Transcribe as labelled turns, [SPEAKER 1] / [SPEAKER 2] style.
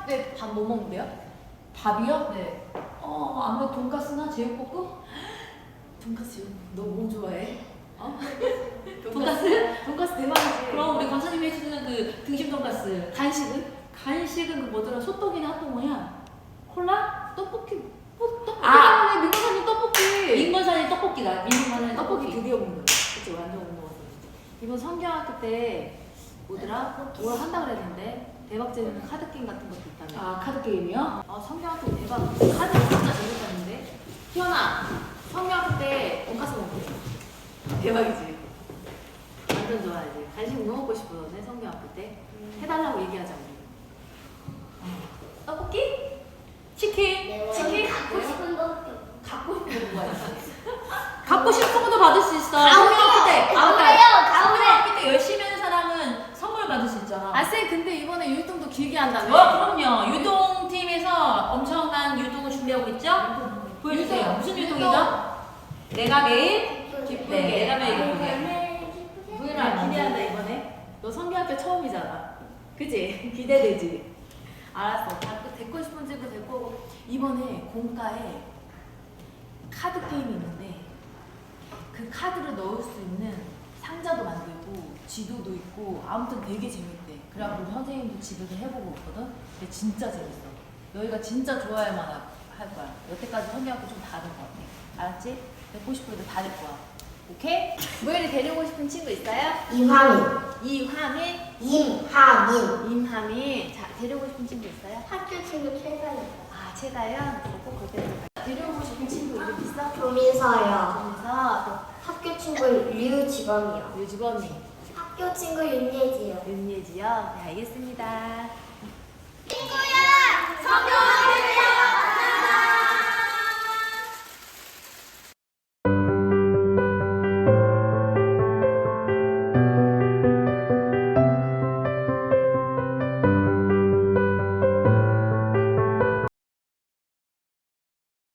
[SPEAKER 1] 때 밥 뭐 먹는데요?
[SPEAKER 2] 밥이요?
[SPEAKER 1] 네.
[SPEAKER 2] 아무래도 돈가스나 제육볶음?
[SPEAKER 1] 돈까스요? 너 뭐 좋아해? 어?
[SPEAKER 2] 돈까스?
[SPEAKER 1] 돈까스 대박이지.
[SPEAKER 2] 그럼 우리 권사님이 해주시는 그 등심 돈가스.
[SPEAKER 1] 간식은?
[SPEAKER 2] 간식은 그 뭐더라? 소떡이나 핫도그야? 콜라?
[SPEAKER 1] 떡볶이. 떡볶이.
[SPEAKER 2] 아!
[SPEAKER 1] 민건사님 떡볶이.
[SPEAKER 2] 민건사님 떡볶이다. 민건사님
[SPEAKER 1] 떡볶이
[SPEAKER 2] 떡볶이.
[SPEAKER 1] 드디어 먹는다. 그치, 완전 못 먹었어. 이번 성경학교 때 뭐더라? 뭘 한다 그랬는데 대박 재밌는 카드 게임 같은 것도 있다며.
[SPEAKER 2] 아, 카드 게임이요?
[SPEAKER 1] 성경학교 대박. 카드 진짜 재밌었는데. 희연아, 성경학교 때 돈까스 먹고 싶어. 대박이지. 완전 좋아하지. 간식 뭐 먹고 싶어 너네 성경학교 때? 해달라고 얘기하자 우리. 떡볶이? 치킨? 치킨?
[SPEAKER 3] 갖고 싶은 떡볶이.
[SPEAKER 1] 갖고 싶은 거 뭐가 있어?
[SPEAKER 2] 갖고 싶은 것도 받을 수 있어.
[SPEAKER 3] 가오래요.
[SPEAKER 2] 성경학교 때.
[SPEAKER 3] 가오래요. 가오래.
[SPEAKER 2] 성경학교 때 열심히 하는 사람은 선물 받을 수 있잖아.
[SPEAKER 1] 아, 쌤 근데 이번에 율동도 길게 한다며?
[SPEAKER 2] 그럼요. 유동팀에서 엄청난 유동을 준비하고 있죠? 보여주세요.
[SPEAKER 1] 유동.
[SPEAKER 2] 무슨
[SPEAKER 1] 유동.
[SPEAKER 2] 유동이죠? 내가 매일
[SPEAKER 1] 기쁘게.
[SPEAKER 2] 네, 내가 매일 기쁘게.
[SPEAKER 1] 부연아 기대한다 이번에. 너 성경학교 처음이잖아. 그치? 기대되지? 알았어. 데리고 싶은 집도 데리고 오고. 이번에 공과에 카드 게임이 있는데 그 카드를 넣을 수 있는 상자도 만들고 지도도 있고 아무튼 되게 재밌대. 그래갖고 우리 선생님도 지도를 해보고 있거든. 근데 진짜 재밌어. 너희가 진짜 좋아할 만할 거야. 여태까지 성경학교 좀 다른 것 같아. 알았지? 데리고 싶은 애들 다 데리고 와. 오케이? 모엘이 데리고 싶은 친구 있어요?
[SPEAKER 3] 이화민.
[SPEAKER 1] 이화민,
[SPEAKER 3] 임하민.
[SPEAKER 1] 임하민. 자, 데리고 싶은 친구 있어요?
[SPEAKER 3] 학교 친구 최선이다.
[SPEAKER 1] 아, 최가연. 꼭 그때 데리고 싶은 친구 이름 있어?
[SPEAKER 3] 조민서요.
[SPEAKER 1] 그래서
[SPEAKER 3] 학교 친구 류지범이요.
[SPEAKER 1] 또 유주범이,
[SPEAKER 3] 학교 친구 윤예지요.
[SPEAKER 1] 윤예지요. 네, 알겠습니다.